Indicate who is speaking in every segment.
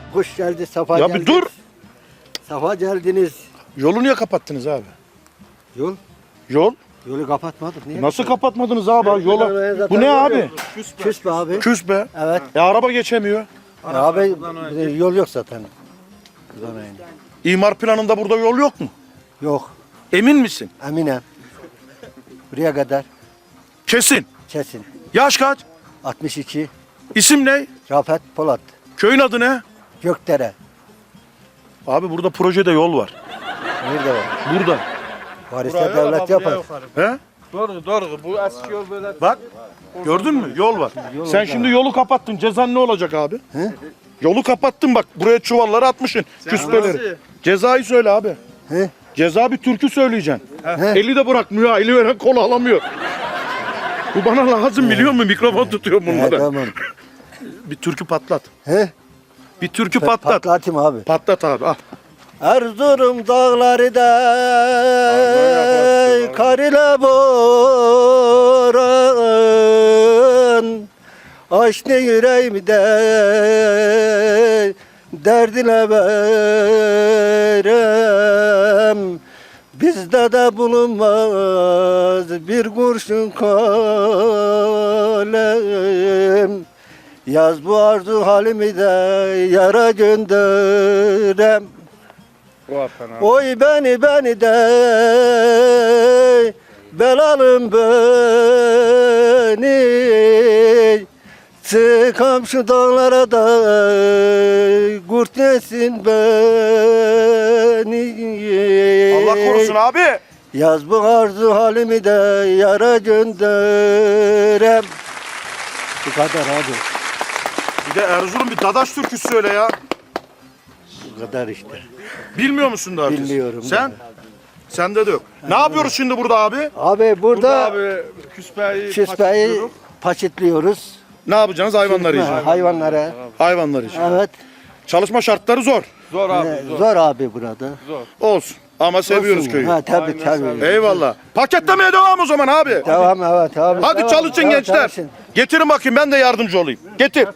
Speaker 1: Kuş geldi, safa
Speaker 2: Ya
Speaker 1: geldi.
Speaker 2: bir dur.
Speaker 1: Safa geldiniz.
Speaker 2: Yolu niye kapattınız abi?
Speaker 1: Yol?
Speaker 2: Yol?
Speaker 1: Yolu kapatmadık. Niye?
Speaker 2: Nasıl kapatmadınız abi? Yola. Bu ne abi?
Speaker 1: Küs be abi.
Speaker 2: Küs be.
Speaker 1: Evet.
Speaker 2: Araba geçemiyor.
Speaker 1: Abi yol yok zaten. Buradan öyle.
Speaker 2: İmar planında burada yol yok mu?
Speaker 1: Yok.
Speaker 2: Emin misin?
Speaker 1: Eminem. Buraya kadar
Speaker 2: Kesin.
Speaker 1: kesin.
Speaker 2: Yaş kaç?
Speaker 1: 62.
Speaker 2: İsim ne?
Speaker 1: Rafet Polat.
Speaker 2: Köyün adı ne?
Speaker 1: Gökdere.
Speaker 2: Abi burada projede yol var.
Speaker 1: Nerede var?
Speaker 2: Burada.
Speaker 1: Var ise devlet yapar.
Speaker 2: He?
Speaker 3: Doğru doğru. Bu eski yol böyle.
Speaker 2: Bak. Gördün mü? Yol var. Sen şimdi yolu kapattın. Cezan ne olacak abi?
Speaker 1: He?
Speaker 2: Yolu kapattın bak. Buraya çuvalları atmışsın. Küspeleri. Cezayı söyle abi.
Speaker 1: He?
Speaker 2: Ceza bir türkü söyleyeceksin.
Speaker 1: He?
Speaker 2: Eli de bırakmıyor. ha, Eli veren kolu alamıyor. Bu bana lazım biliyor musun? Mikrofon tutuyor
Speaker 1: He,
Speaker 2: bunlara.
Speaker 1: tamam.
Speaker 2: Bir türkü patlat.
Speaker 1: He?
Speaker 2: Bir türkü patlat.
Speaker 1: Patlatayım abi.
Speaker 2: Patlat abi. Ah.
Speaker 1: Erzurum dağları da kar ile boran, açtı yüreğimde derdine verem. Bizde de bulunmaz bir kurşun kalem. Yaz bu arzu halimi de yara gönderem. Oy beni de belalım beni, çıkam şu dağlara da kurt yesin beni.
Speaker 2: Allah korusun abi.
Speaker 1: Yaz bu arzu halimi de yara gönderem. Bu kadar abi.
Speaker 2: Bir de Erzurum bir Dadaş türküsü söyle ya.
Speaker 1: Bu kadar işte.
Speaker 2: Bilmiyor musun daha?
Speaker 1: Bilmiyorum.
Speaker 2: Sen? Sende de yok. Ne yapıyoruz şimdi burada abi?
Speaker 1: Abi burada
Speaker 3: Abi küspeyi
Speaker 1: küspeyi paçitliyoruz.
Speaker 2: Ne yapacaksınız? Hayvanları yiyeceksiniz.
Speaker 1: Hayvanlara.
Speaker 2: Hayvanları yiyeceksiniz.
Speaker 1: Evet.
Speaker 2: Çalışma şartları zor.
Speaker 3: Zor abi
Speaker 1: Zor.
Speaker 3: zor.
Speaker 1: Abi burada.
Speaker 2: Olsun. Ama seviyoruz
Speaker 1: Olsun.
Speaker 2: köyü.
Speaker 1: Ha tabii
Speaker 3: Aynen,
Speaker 1: tabii.
Speaker 3: seviyoruz.
Speaker 2: Eyvallah. Paketlemeye devam o zaman abi.
Speaker 1: Devam evet abi.
Speaker 2: Hadi
Speaker 1: Devam,
Speaker 2: çalışın
Speaker 1: devam,
Speaker 2: gençler.
Speaker 1: çalışın.
Speaker 2: Getirin bakayım ben de yardımcı olayım. Getir.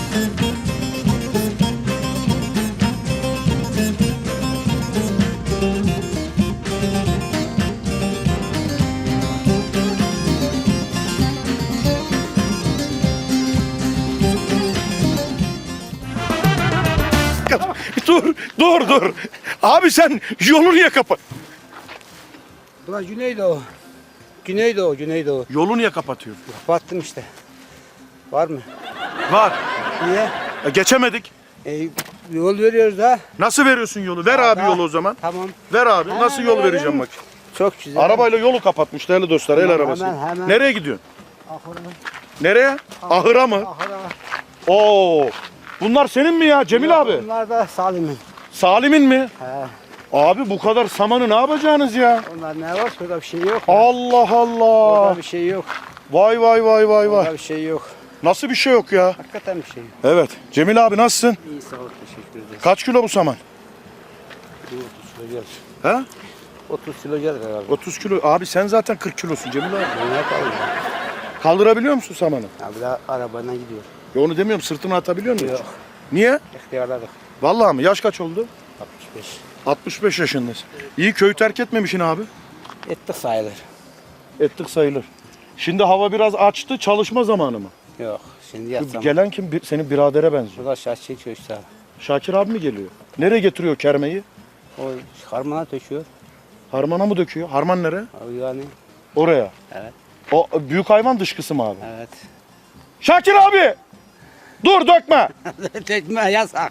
Speaker 2: Dur. Abi sen yolu niye kapat?
Speaker 4: Ulan Güneydoğu. Güneydoğu.
Speaker 2: Yolu niye kapatıyorsun?
Speaker 4: Battım işte. Var mı?
Speaker 2: Var.
Speaker 4: Niye?
Speaker 2: Geçemedik.
Speaker 4: Yol veriyoruz ha.
Speaker 2: Nasıl veriyorsun yolu? Ver abi
Speaker 4: Ha,
Speaker 2: yolu o zaman.
Speaker 4: Tamam.
Speaker 2: Ver abi. Nasıl yol
Speaker 4: verelim.
Speaker 2: vereceğim bak.
Speaker 4: Çok güzel.
Speaker 2: Arabayla yolu kapatmış değerli dostlar. El
Speaker 4: Hemen,
Speaker 2: arabası.
Speaker 4: hemen.
Speaker 2: Nereye gidiyorsun?
Speaker 4: Ahıra.
Speaker 2: Nereye? Ahıra mı?
Speaker 4: Ahıra.
Speaker 2: Oo. Bunlar senin mi ya Cemil abi?
Speaker 4: Bunlar da Salim'in.
Speaker 2: Salim'in mi?
Speaker 4: He.
Speaker 2: Abi bu kadar samanı ne yapacaksınız ya?
Speaker 4: Onlar ne var? Şurada bir şey yok.
Speaker 2: Allah Allah.
Speaker 4: Orada bir şey yok.
Speaker 2: Vay.
Speaker 4: Orada bir şey yok.
Speaker 2: Nasıl bir şey yok ya?
Speaker 4: Hakikaten bir şey yok.
Speaker 2: Evet. Cemil abi nasılsın?
Speaker 4: İyi sağ ol. Teşekkür ederiz.
Speaker 2: Kaç kilo bu saman?
Speaker 4: 30 kilo gelir.
Speaker 2: He?
Speaker 4: 30 kilo gelir herhalde.
Speaker 2: 30 kilo. Abi sen zaten 40 kilosun Cemil abi.
Speaker 4: Ne yapalım ya?
Speaker 2: Kaldırabiliyor musun samanı?
Speaker 4: Abi de arabayla gidiyor.
Speaker 2: Ya onu demiyorum sırtına atabiliyor musun?
Speaker 4: Yok.
Speaker 2: Niye?
Speaker 4: İhtiyarladık.
Speaker 2: Vallahi mi? Yaş kaç oldu?
Speaker 4: 65.
Speaker 2: 65 yaşındasın. İyi köyü terk etmemişsin abi.
Speaker 4: Ettik sayılır.
Speaker 2: Ettik sayılır. Şimdi hava biraz açtı. Çalışma zamanı mı?
Speaker 4: Yok. Şimdi
Speaker 2: Şu
Speaker 4: yatsam.
Speaker 2: gelen kim? Senin biradere benziyor.
Speaker 4: Burada şaş çekiyor işte.
Speaker 2: Şakir abi mi geliyor? Nereye getiriyor kermeyi?
Speaker 4: O harmana döküyor.
Speaker 2: Harmana mı döküyor? Harman nereye?
Speaker 4: Abi yani.
Speaker 2: Oraya.
Speaker 4: Evet.
Speaker 2: O büyük hayvan dışkısı mı abi?
Speaker 4: Evet.
Speaker 2: Şakir abi! Dur dökme!
Speaker 4: Tekme yasak.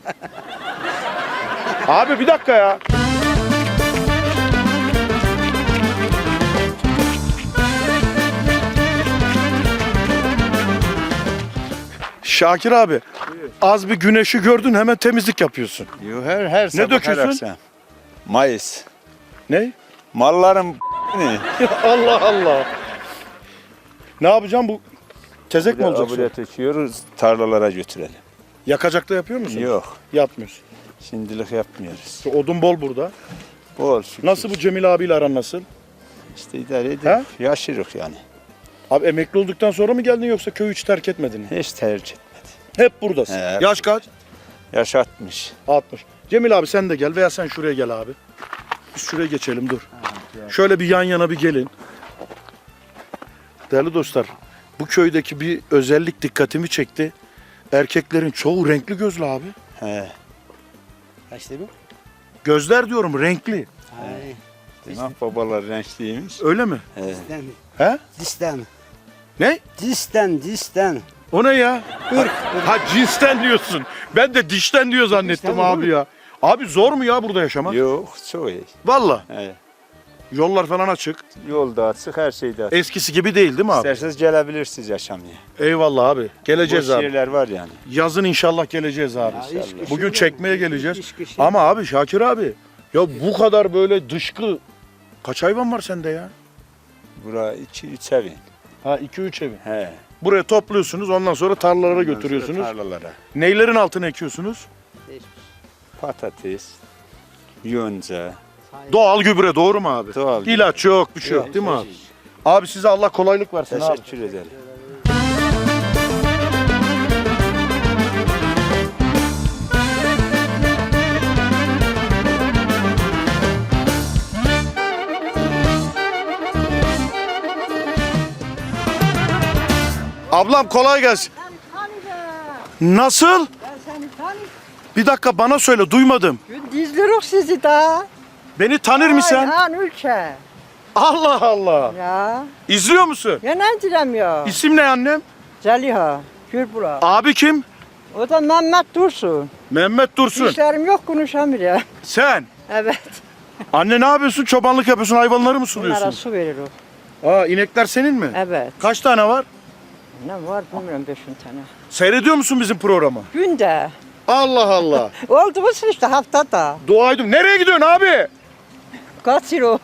Speaker 2: Abi bir dakika ya. Şakir abi, az bir güneşi gördün hemen temizlik yapıyorsun.
Speaker 5: Her sabah,
Speaker 2: döküyorsun?
Speaker 5: her akşam. Mayıs.
Speaker 2: Ne?
Speaker 5: Malların ne?
Speaker 2: Allah Allah. Ne yapacağım bu? Tezek mi olacak?
Speaker 5: Buraya taşıyoruz, tarlalara götürelim.
Speaker 2: Yakacakta yapıyor musun?
Speaker 5: Yok,
Speaker 2: Yapmıyorsun.
Speaker 5: şimdilik yapmıyoruz.
Speaker 2: Odun bol burada.
Speaker 5: Bol şükür.
Speaker 2: Nasıl bu Cemil abiyle aran nasıl?
Speaker 5: İşte idare
Speaker 2: He?
Speaker 5: ediyor. Yaşırık yani.
Speaker 2: Abi emekli olduktan sonra mı geldin yoksa köyü hiç terk etmedin mi?
Speaker 5: Hiç tercih etmedi.
Speaker 2: Hep buradasın.
Speaker 5: He.
Speaker 2: Yaş kaç?
Speaker 5: Yaş 60.
Speaker 2: 60. Cemil abi sen de gel veya sen şuraya gel abi. Biz şuraya geçelim dur. Şöyle bir yan yana bir gelin. Değerli dostlar, bu köydeki bir özellik dikkatimi çekti. Erkeklerin çoğu renkli gözlü abi.
Speaker 5: He.
Speaker 4: Kaçtı bu?
Speaker 2: Gözler diyorum renkli.
Speaker 4: Ay.
Speaker 5: Demek babalar renkliymiş.
Speaker 2: Öyle mi?
Speaker 5: He.
Speaker 4: Disten.
Speaker 2: He?
Speaker 4: Disten.
Speaker 2: Ne?
Speaker 4: Disten.
Speaker 2: O ne ya?
Speaker 4: Irk.
Speaker 2: Ha cinsten diyorsun. Ben de dişten diyor zannettim
Speaker 4: Dişten
Speaker 2: abi ya. Abi zor mu ya burada yaşamak?
Speaker 5: Yok çok iyi.
Speaker 2: Valla.
Speaker 5: He.
Speaker 2: Yollar falan açık.
Speaker 5: Yolda açık, her şeyde açık.
Speaker 2: Eskisi gibi değil mi abi?
Speaker 5: İsterseniz gelebilirsiniz yaşamaya.
Speaker 2: Eyvallah abi. Geleceğiz
Speaker 5: Boş
Speaker 2: abi.
Speaker 5: yerler var yani.
Speaker 2: Yazın inşallah geleceğiz abi.
Speaker 4: Ya, iş kışı
Speaker 2: Bugün
Speaker 4: yok.
Speaker 2: çekmeye geleceğiz.
Speaker 4: İş kışı.
Speaker 2: Ama abi Şakir abi. Ya bu kadar böyle dışkı. Kaç hayvan var sende ya?
Speaker 5: Bura 2-3 evin.
Speaker 2: Ha 2-3 evi.
Speaker 5: He.
Speaker 2: Buraya topluyorsunuz ondan sonra tarlalara
Speaker 5: Ondan sonra
Speaker 2: götürüyorsunuz.
Speaker 5: Tarlalara.
Speaker 2: Neylerin altına ekiyorsunuz?
Speaker 5: Patates, yonca.
Speaker 2: Doğal gübre doğru mu abi?
Speaker 5: Doğal gübre.
Speaker 2: İlaç yok bir şey yok değil mi abi? Abi size Allah kolaylık versin abi.
Speaker 5: Teşekkür ederim.
Speaker 2: Ablam kolay gelsin. Nasıl?
Speaker 6: Ben seni tanıyorum.
Speaker 2: Bir dakika bana söyle duymadım.
Speaker 6: İzliyoruz sizi daha.
Speaker 2: Beni tanır mısın?
Speaker 6: Ayhan ülke.
Speaker 2: Allah Allah.
Speaker 6: Ya.
Speaker 2: İzliyor musun?
Speaker 6: Ya ne diremiyor?
Speaker 2: İsim ne annem?
Speaker 6: Zeliha. Gürbula.
Speaker 2: Abi kim?
Speaker 6: O da Mehmet Dursun.
Speaker 2: Mehmet Dursun.
Speaker 6: İşlerim yok konuşamıyor.
Speaker 2: Sen.
Speaker 6: Evet.
Speaker 2: Anne ne yapıyorsun? Çobanlık yapıyorsun. Hayvanları mı
Speaker 6: Bunlara
Speaker 2: suluyorsun?
Speaker 6: su verir o.
Speaker 2: Aa inekler senin mi?
Speaker 6: Evet.
Speaker 2: Kaç tane var?
Speaker 6: Ne var bilmiyorum 5-10 tane.
Speaker 2: Seyrediyor musun bizim programı?
Speaker 6: Günde.
Speaker 2: Allah Allah.
Speaker 6: Oldu mu işte haftada.
Speaker 2: Dua edin. Nereye gidiyorsun abi?
Speaker 6: Kaç euro?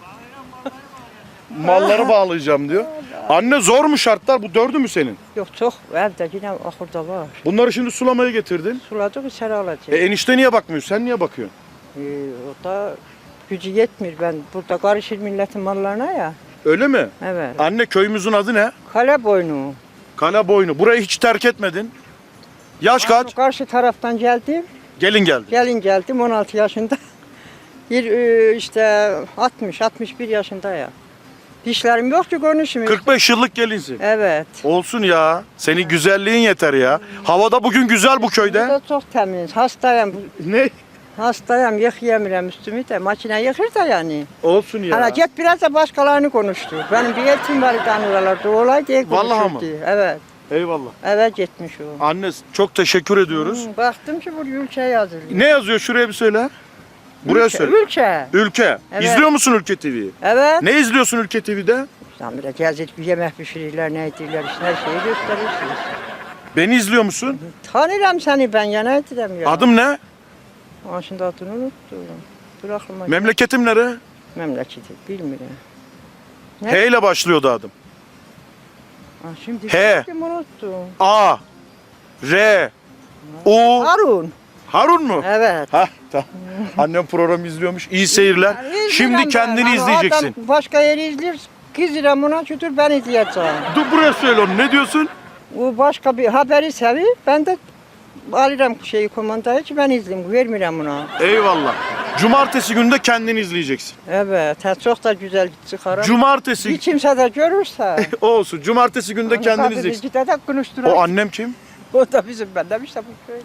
Speaker 2: Malları bağlayacağım diyor. Anne zor mu şartlar? Bu dördü mü senin?
Speaker 6: Yok çok. Evde yine ahırda var.
Speaker 2: Bunları şimdi sulamaya getirdin.
Speaker 6: Suladık içeri alacak.
Speaker 2: Enişte niye bakmıyor? Sen niye bakıyorsun?
Speaker 6: O da gücü yetmiyor. Ben burada karışır milletin mallarına ya.
Speaker 2: Öyle mi?
Speaker 6: Evet.
Speaker 2: Anne köyümüzün adı ne?
Speaker 6: Kale boynu.
Speaker 2: Kale Boynu. Burayı hiç terk etmedin. Yaş kaç?
Speaker 6: Karşı taraftan geldim.
Speaker 2: Gelin geldi.
Speaker 6: Gelin geldim 16 yaşında. İşte 60-61 yaşında ya. Dişlerim yok ki konuşmuyor.
Speaker 2: 45 yıllık gelinsin.
Speaker 6: Evet.
Speaker 2: Olsun ya. Senin güzelliğin yeter ya. Havada bugün güzel bu
Speaker 6: Bu
Speaker 2: köyde.
Speaker 6: da çok temiz. Hastayım.
Speaker 2: Ne?
Speaker 6: Hastayım. Yıkayamıyorum üstümü de. Makine yıkır da yani.
Speaker 2: Olsun ya.
Speaker 6: Hala git biraz da başkalarını konuştur. Benim bir eltim var oralarda. Olay diye
Speaker 2: Vallahi
Speaker 6: konuşurdu. Evet.
Speaker 2: Eyvallah.
Speaker 6: Evet gitmiş o.
Speaker 2: Anne çok teşekkür ediyoruz.
Speaker 6: Baktım ki bu ülke yazılıyor.
Speaker 2: Ne yazıyor şuraya bir söyle. Buraya
Speaker 6: Ülke,
Speaker 2: söyle.
Speaker 6: Ülke.
Speaker 2: Ülke.
Speaker 6: Evet.
Speaker 2: İzliyor musun Ülke TV'yi?
Speaker 6: Evet.
Speaker 2: Ne izliyorsun Ülke TV'de?
Speaker 6: Sen bile gezip bir yemek pişirirler, ne edirler, işte her şeyi gösterirsiniz.
Speaker 2: Beni izliyor musun?
Speaker 6: Tanırım seni ben ya, ne edirem ya.
Speaker 2: Adım ne?
Speaker 6: Aa, şimdi adını unuttum. Dur aklıma.
Speaker 2: Memleketim nere?
Speaker 6: Memleketi, bilmiyorum. Ne?
Speaker 2: H ile başlıyordu adım.
Speaker 6: Aa, şimdi
Speaker 2: He.
Speaker 6: bildim, unuttum.
Speaker 2: A, R, U.
Speaker 6: Harun.
Speaker 2: Harun mu?
Speaker 6: Evet.
Speaker 2: Hah tamam. Annem programı izliyormuş. İyi seyirler.
Speaker 6: İzlerim
Speaker 2: Şimdi
Speaker 6: ben.
Speaker 2: kendini
Speaker 6: Ama
Speaker 2: izleyeceksin.
Speaker 6: Adam başka yeri izler. Kızıram ona şudur ben izleyeceğim.
Speaker 2: Dur buraya söyle onu. Ne diyorsun?
Speaker 6: O başka bir haberi seviyor. Ben de alırım şeyi komandayı ki ben izleyeyim. Vermiyorum ona.
Speaker 2: Eyvallah. Cumartesi günü de kendini izleyeceksin.
Speaker 6: Evet. Çok da güzel çıkarım.
Speaker 2: Cumartesi.
Speaker 6: Bir kimse de görürse.
Speaker 2: Olsun. Cumartesi günü de kendini izleyeceksin.
Speaker 6: Bir de konuşturan.
Speaker 2: O annem kim?
Speaker 6: O da bizim benden işte bu köylü.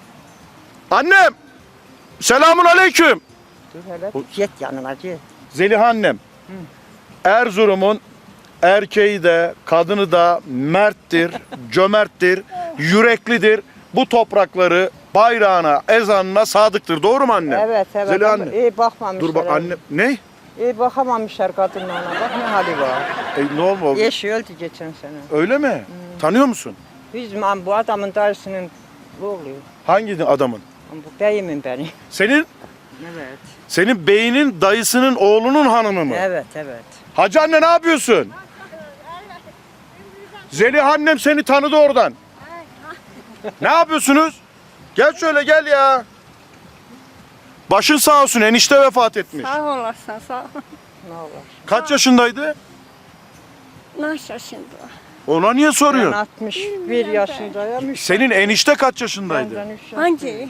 Speaker 2: Annem. Selamun aleyküm.
Speaker 6: Dur hele. Git yanına git.
Speaker 2: Zeliha annem. Erzurum'un erkeği de kadını da merttir, cömerttir, yüreklidir. Bu toprakları bayrağına, ezanına sadıktır. Doğru mu annem?
Speaker 6: Evet evet.
Speaker 2: Zeliha
Speaker 6: Ama
Speaker 2: anne.
Speaker 6: iyi bakmamışlar.
Speaker 2: Dur bak annem. Ne?
Speaker 6: İyi bakamamışlar kadınlarına. Bak ne hali var.
Speaker 2: Ne oldu?
Speaker 6: Eşi öldü geçen sene.
Speaker 2: Öyle mi? Tanıyor musun?
Speaker 6: Bizim bu adamın dayısının oğlu.
Speaker 2: Hangi adamın?
Speaker 6: Bu beyimin benim.
Speaker 2: Senin
Speaker 6: Evet.
Speaker 2: senin beyinin dayısının oğlunun hanımı mı?
Speaker 6: Evet evet.
Speaker 2: Hacı anne ne yapıyorsun? Zeliha annem seni tanıdı oradan. Ne yapıyorsunuz? Gel şöyle gel ya. Başın sağ olsun enişte vefat etmiş.
Speaker 7: Sağ olasın, sağ ol.
Speaker 6: Ne olur.
Speaker 2: Kaç yaşındaydı?
Speaker 7: Nasıl şimdi?
Speaker 2: Ona niye
Speaker 6: Ben
Speaker 2: soruyorsun?
Speaker 6: 61 yaşındayım.
Speaker 2: Senin enişte kaç yaşındaydı?
Speaker 6: Benden üç yaş.
Speaker 7: Hangi?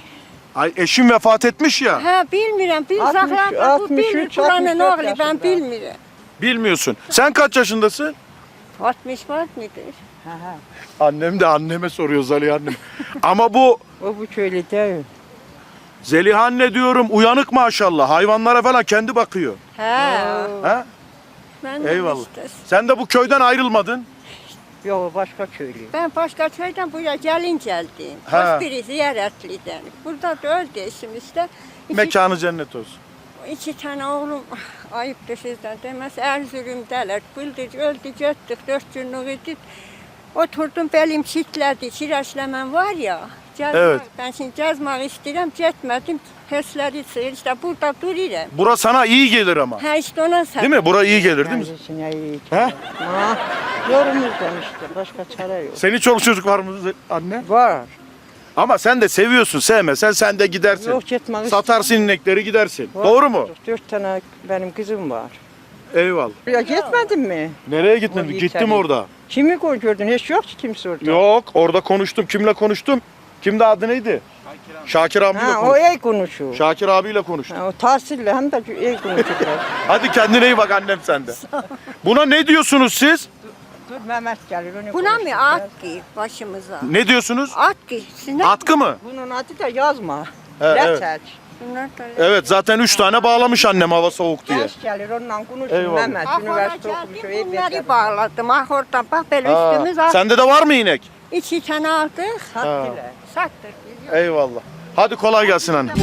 Speaker 2: Ay eşim vefat etmiş ya.
Speaker 7: Ha bilmirəm, bil
Speaker 6: 60,
Speaker 7: saxlar bu
Speaker 6: 63,
Speaker 7: bilmir buranın
Speaker 6: 64
Speaker 7: oğlu ben
Speaker 6: yaşında.
Speaker 7: bilmirəm.
Speaker 2: Bilmiyorsun. Sen kaç yaşındasın?
Speaker 7: 60 var mıdır?
Speaker 2: Annem de anneme soruyor Zeliha annem. Ama bu
Speaker 6: O bu köylü değil.
Speaker 2: Zeliha anne diyorum uyanık maşallah. Hayvanlara falan kendi bakıyor.
Speaker 7: Ha.
Speaker 2: Ha?
Speaker 7: Ben de
Speaker 2: Eyvallah.
Speaker 7: işte.
Speaker 2: Sen de bu köyden ayrılmadın.
Speaker 6: Yok, o başka köylü.
Speaker 7: Ben başka köyden buraya gelin geldim.
Speaker 2: Ha.
Speaker 7: Hoş biri ziyaretliden. Burada da öldü eşim işte.
Speaker 2: Mekanı cennet olsun.
Speaker 7: İki tane oğlum ayıptır sizden demez. Erzurum'dalar. Bildir öldü gittik 4 günlük idi. Oturdum belim çitledi. Çireçlemem var ya. Gezmek,
Speaker 2: Evet.
Speaker 7: Ben şimdi gezmek istedim. Gitmedim. Hesleri sığır. İşte burada duruyorum.
Speaker 2: Bura sana iyi gelir ama.
Speaker 7: Ha işte ona sen.
Speaker 2: Değil mi? Bura iyi gelir değil mi?
Speaker 6: Kendisine iyi.
Speaker 2: Ha?
Speaker 6: Ha? Yorumuzdan işte. Başka çare yok.
Speaker 2: Senin çoluk çocuk var mı anne?
Speaker 6: Var.
Speaker 2: Ama sen de seviyorsun. Sevmesen sen de gidersin.
Speaker 6: Yok, gitmek
Speaker 2: Satarsın inekleri gidersin.
Speaker 6: Var.
Speaker 2: Doğru mu?
Speaker 6: 4 tane benim kızım var.
Speaker 2: Eyvallah.
Speaker 6: Ya gitmedin mi?
Speaker 2: Nereye gitmedin?
Speaker 6: Orayı
Speaker 2: Gittim
Speaker 6: içeri.
Speaker 2: orada.
Speaker 6: Kimi gördün? Hiç yok ki kimse orada.
Speaker 2: Yok orada konuştum. Kimle konuştum? Kimde adı neydi? Şakir abiyle
Speaker 6: Ha, o
Speaker 2: konuştum.
Speaker 6: iyi konuşuyor.
Speaker 2: Şakir abiyle konuştum.
Speaker 6: Ha, o tahsille hem de iyi konuşuyor.
Speaker 2: Hadi kendine iyi bak annem sende. Buna ne diyorsunuz siz?
Speaker 6: Dur Mehmet gelir onu
Speaker 7: Buna mı
Speaker 6: konuşturacağız.
Speaker 7: at ki başımıza?
Speaker 2: Ne diyorsunuz?
Speaker 7: At ki. Siz ne?
Speaker 2: Atkı mı?
Speaker 6: Bunun adı da yazma.
Speaker 2: evet.
Speaker 6: Reçel.
Speaker 7: Bunlar da-
Speaker 2: Evet zaten 3 tane bağlamış annem hava soğuk diye.
Speaker 6: Genç gelir onunla konuşur
Speaker 2: Eyvallah.
Speaker 6: Mehmet. Üniversite okumuş o iyi
Speaker 7: Bunları
Speaker 6: bekler.
Speaker 7: bağladım. Ah oradan bak böyle
Speaker 2: Aa,
Speaker 7: üstümüz at.
Speaker 2: sende de var mı inek?
Speaker 7: 2 tane aldık.
Speaker 6: Sattılar.
Speaker 7: Sattık.
Speaker 2: Eyvallah. Hadi kolay gelsin anne.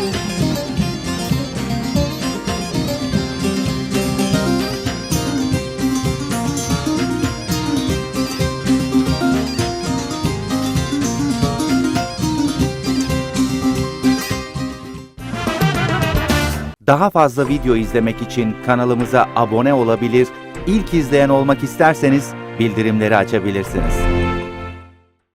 Speaker 8: Daha fazla video izlemek için kanalımıza abone olabilir, ilk izleyen olmak isterseniz bildirimleri açabilirsiniz.